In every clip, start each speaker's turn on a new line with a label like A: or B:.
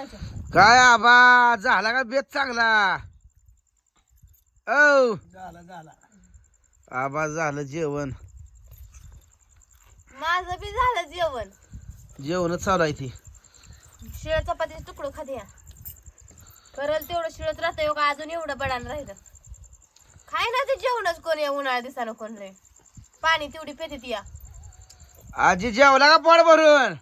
A: जेवणाच्या.
B: काय आबा झाला का बेत चांगला? औ
C: झाला
B: आबा झालं जेवण.
A: माझं बी झालं जेवण.
B: जेवणच चालू आहे ती.
A: शिळ चपातीचे तुकडं खाते या. करल तेवढं शिळच राहतं का अजून एवढं बडान राहिलं. खाय ना ते जेवणच कोण या उन्हाळ्या दिसानं कोण रे. पाणी तेवढी पेते या.
B: आजी जेवला का पोट भरून?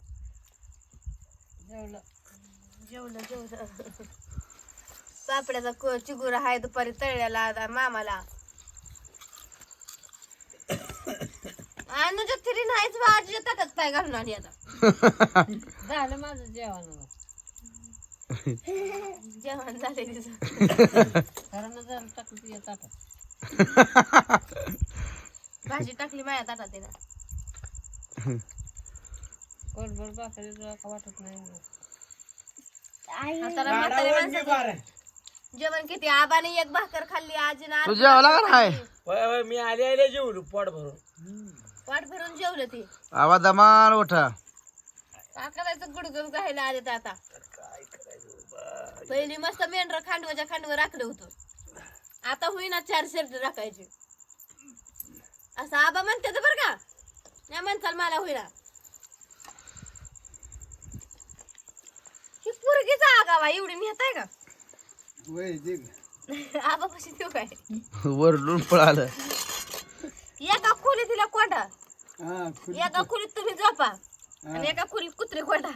A: जेवलं जेवलं. पापड्याचा चिगुरा हाय दुपारी तळल्याला आता मामाला. अनुजा तरी नाहीच बा आजीच्या ताटात पाय घालून आली आता.
D: झालं माझं जेवण.
A: जेवण झाले तिचं.
D: खरं झालं टाकली ताटात.
A: भाजी टाकली माझ्या ताटात तिला.
D: कोरभर भाकरी तुला का वाटत नाही.
A: आता म्हाताऱ्या माणसाचं जेवण किती आबाने एक भाकर खाल्ली आजीनं
B: तू जेवला का नाही?
C: मी आले जेवलो पोट भरून.
A: वाट भरून जेवलं ती.
B: आबा दमाल उठा.
A: का करायचं गुडगुड घायला आले तर आता. पहिली मस्त मेंढर खांडवाच्या खांडवर राखलं होतं. आता होईना 4 शर्ट राखायचे असं आबा म्हणते बरं का. नाही म्हणताल मला होईना. ही पोरगीचा आगावा एवढी नेताय का? आबा कशी देऊ काय?
B: वरडून पळालं.
A: एका खोलीत तिला कोंडा. एका खोलीत तुम्ही झोपा आणि एका खोलीत कुत्री कोंडा.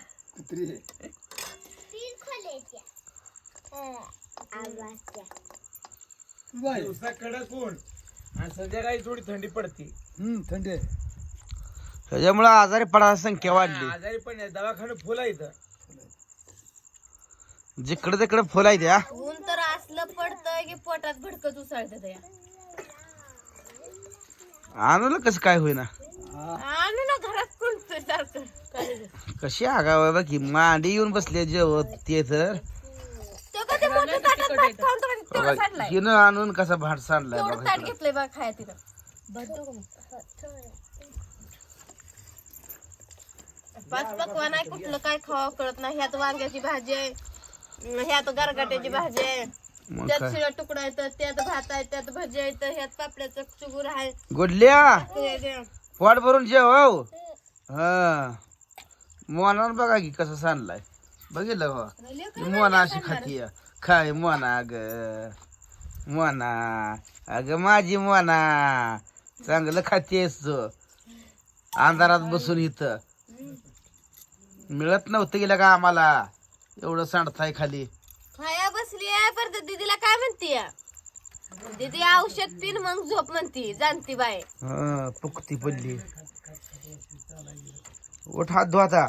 C: दिवसा कडक ऊन आणि संध्याकाळी थोडी थंडी पडते. थंडी
B: त्याच्यामुळे आजारी पडायची संख्या वाढली.
C: आजारी पण आहे. दवाखाना फुल आहे इथं.
B: जिकडे तिकडे फुल आहे त्या.
A: ऊन तर असलं पडतंय की पोटात भडकत उसळत या.
B: आणलं कसं काय होईना.
A: आणू ना घरात कोणतं सारखं.
B: कशी आगाव बघ की मांडी येऊन बसले जेवत ते तर.
A: तो कधी मोठं ताटात भात खाऊन तो कधी तेवढं सांडलाय.
B: हिनं आणून कसा भाट सांडलाय
A: तेवढं
B: बघा
A: ताट
B: इकडं.
A: घेतलंय बघ खाया तिथं. पाच पकवान आहे कुठलं काय खावा कळत नाही. ह्यात वांग्याची भाजी आहे, ह्यात गरगाट्याची भाजी आहे,
B: मग
A: त्यात
B: काय
A: शिळा तुकडा आहे, त्यात भात आहे, त्यात भाजी आहे, ह्यात पापड्याचं चुगूर आहे.
B: गुडल्या पोट भरून जेव. हो हा मोना बघा की कसं सांडलाय. बघितलं का मोना अशी खाती काय मोना ग मोना. अग माझी मोना चांगलं खातेस तू. अंधारात बसून इथं मिळत नव्हतं गेलं का आम्हाला एवढं सांडताय खाली.
A: खाया बसली आहे परत दीदीला काय म्हणती. दीदी औषध पिन मग झोप म्हणती जाणती बाय.
B: हा पुकती पडली. उठ हात धुवा आता.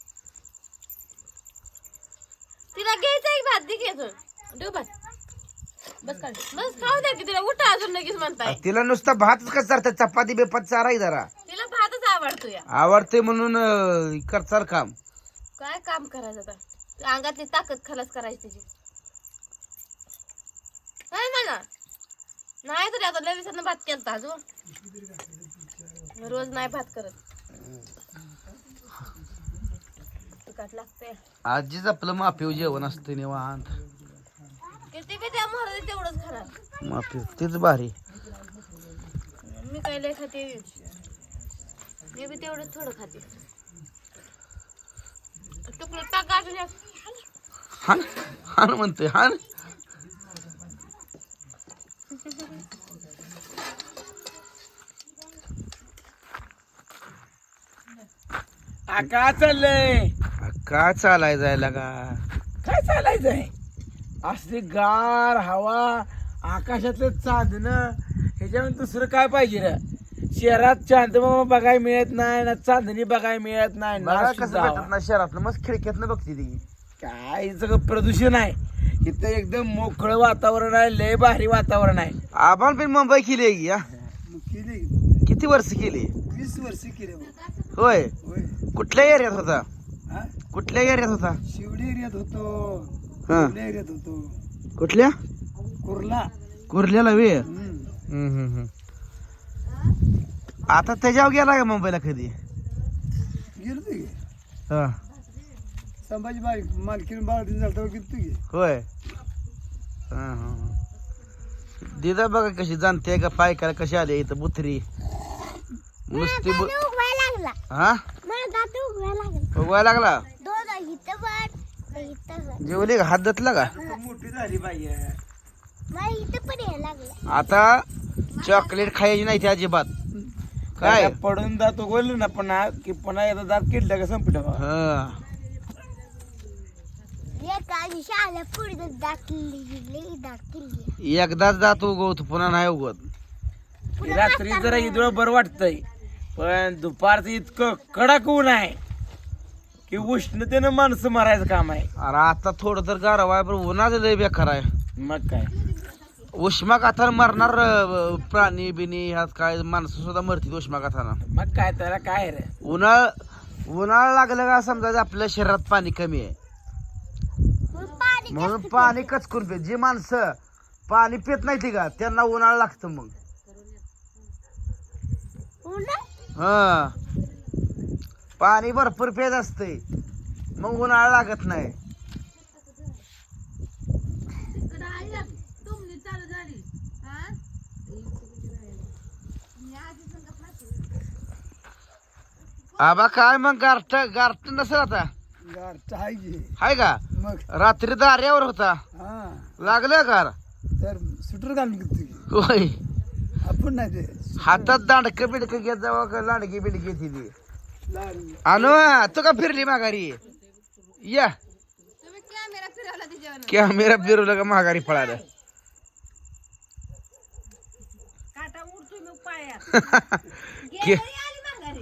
A: तिला घ्यायचा एक भात दे घ्यायचं देऊ भात. बस काढ बस खाऊ द्या की तिला. उठा अजून लगेच म्हणताय.
B: तिला नुसतं भातच कसं चालतं. चपाती बेपात चाराय जरा
A: तिला भातच आवडतो या.
B: आवडते म्हणून करचाल काम.
A: काय काम करायचं आता. अंगातली ताकद खलास करायची तिची. काय म्हणा नाही तरी आता लय दिवसानं भात केलता अजून. रोज नाही भात करत. तिखट लागतंय.
B: आजीच आपलं माफीव जेवण असतं निवांत.
A: किती बी त्या मोहराने तेवढंच खाणार.
B: माफीव तेच भारी.
A: मी काय लय खाते. मी बी तेवढंच थोडं खाते. तुकडं टाका अजून एक.
B: हान हान म्हणतोय हान.
C: काय चाललंय?
B: काय चालाय जायला का?
C: काय चालायचंय? असली गार हवा, आकाशातलं चांदणं, ह्याच्यावर दुसरं काय पाहिजे रे? शहरात चांदमामा बघायला मिळत नाही ना, चांदणी बघायला मिळत नाही ना.
B: मला कसं
C: सुद्धा
B: भेटत ना शहरात मस्त खिडक्यातनं बघते ती.
C: काय सगळं प्रदूषण आहे इथं. एकदम मोकळं वातावरण आहे. लय भारी वातावरण आहे.
B: आपण पण मुंबई केली आहे की, हा? किती वर्ष केली?
C: 20 वर्ष केले.
B: होय. कुठल्या एरियात होता? कुठल्या एरियात होता?
C: शिवडी एरियात होतो.
B: हा
C: एरियात होतो.
B: कुठल्या?
C: कुर्ला.
B: कुर्ल्याला वे. आता त्याच्यावर गेला का मुंबईला कधी?
C: गेलो
B: हा
C: संभाजी मालकीन बाळातीन झालं किती घे
B: होय हा हा दिदा बघा कशी जाणते का पाय काय कशी आले इथं बुथरी नुसती हा उगवायला लागला जेवली का हात धुतला का
C: मोठी झाली पाहिजे
B: आता चॉकलेट खायची नाही ती अजिबात काय
C: पडून जातो बोललो ना पुन्हा की पुन्हा एकदा दात किडलं का संपट
B: हा एकदाच दात उगवतो पुन्हा नाही उगवत
C: रात्री जरा इथं बरं वाटतंय पण दुपारचं इतकं कडक ऊन आहे की उष्णतेनं माणसं मारायचं काम आहे.
B: अरे आता थोडं तर गारवा आहे पण उन्हाचं लय बेकार आहे
C: मग काय
B: उष्माघातानं मरणार प्राणी बिनी ह्यात काय माणसं सुद्धा मरतील उष्माघातानं
C: मग काय त्याला काय रे
B: उन्हाळा लागलं का समजायचं आपल्या शरीरात पाणी कमी आहे म्हणून पाणी कचकून पित जी माणसं पाणी पित नाही ती का त्यांना उन्हाळा लागतं मग हा पाणी भरपूर पेत असते मग उन्हाळा लागत नाही आबा काय मग गारठ नसेल आता हाय का
C: मग
B: रात्री दार्यावर होता लागलं गार
C: तर सुटर घालून किती
B: होय
C: आपण नाही ते
B: हातात दांडक बिडक घेत जावं का लांडगी बिडकी ती अनु तू का फिरली माघारी या
A: तुम्ही कॅमेरा फिरवला तिच्यावर
B: कॅमेरा फिरवलं का माघारी पळालं
D: काटा उडतोय मग पायात
A: आली माघारी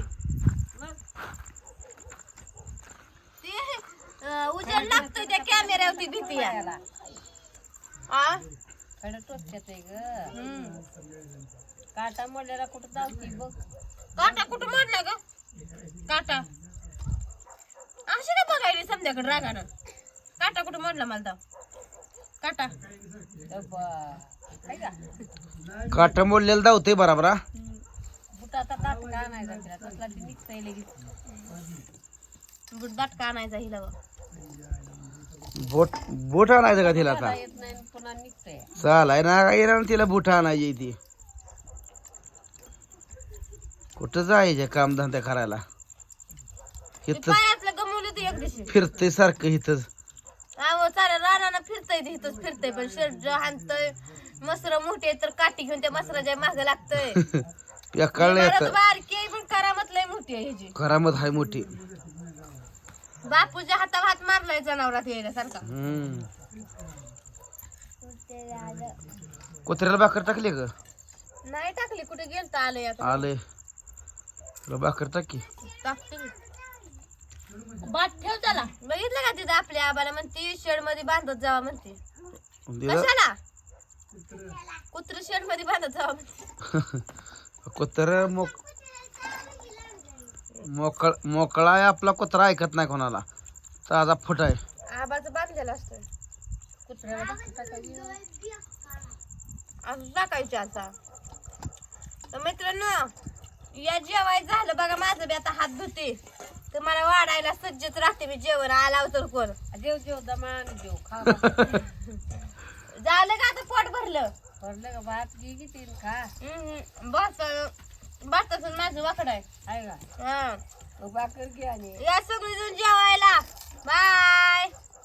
A: ते उजेड लागतोय त्या कॅमेऱ्यावरती भीती आहे आ
D: कडे टोचत आहे ग काटा मोडलेला कुठं जावती बघ
A: काटा कुठं मोडला ग काटा अशी ना बघायली समध्याकडे रागानं काटा कुठं मोडला मला तर काटा
D: काय का
B: काट मोडलेलं धावते बराबर हा?
D: बुटाचा दात का आणायचा तिला तसला ती निघतंय लगेच
A: दाटका आणायचा हिला बघ.
B: बोट आणायचं का तिला आता
D: येत नाही आणि पुन्हा निघतंय
B: चालाय ना काय ना तिला बुट आणायची ती कुठं जायचं कामधंदा करायला
A: ते
B: इथं
A: पायातलं गमवलं ते एक दिवशी
B: फिरतय सारखं इथंच
A: अहो साऱ्या रानानं फिरतय ते इथंच फिरतय पण शर्ट हाणतय मसर मोठे तर काठी घेऊन त्या मसराच्या माग लागतय
B: कळलं येत
A: बारकी आहे पण करामत लय मोठी आहे ह्याची
B: करामत हाय मोठी
A: बापूच्या हातावर हात मारलाय जनावरात यायला
B: कुत्र्याला भाकर टाकली ग
A: नाही टाकली कुठे गेलता आलंय आता
B: आले तुला भाकर टाकी
A: टाकते बाट ठेव त्याला बघितलं का तिथं आपल्या आबाला म्हणते शेड मध्ये बांधत जावा म्हणते कशाला कुत्र शेड मध्ये बांधत जावा म्हणते
B: कुत्र मोकळा आहे आपला कुत्रा ऐकत नाही कोणाला ताजा फुट आहे
A: आबाचं बांधलेलं असतं
D: कुत्र्याला
A: असं टाकायचं आता तर मित्रांनो या जेवाय झालं बघा माझं बी आता हात धुते तर मला वाढायला सज्जच राहते मी जेवण आला तर कोण
D: जेव जेव दमान जेव खा
A: झालं का आता पोट भरलं
D: भरलं का भात घे किती खा
A: भाताचं माझं वाकड आहे
D: का
A: हा
D: भाकर घे आणि
A: या सगळी जण जेवायला बाय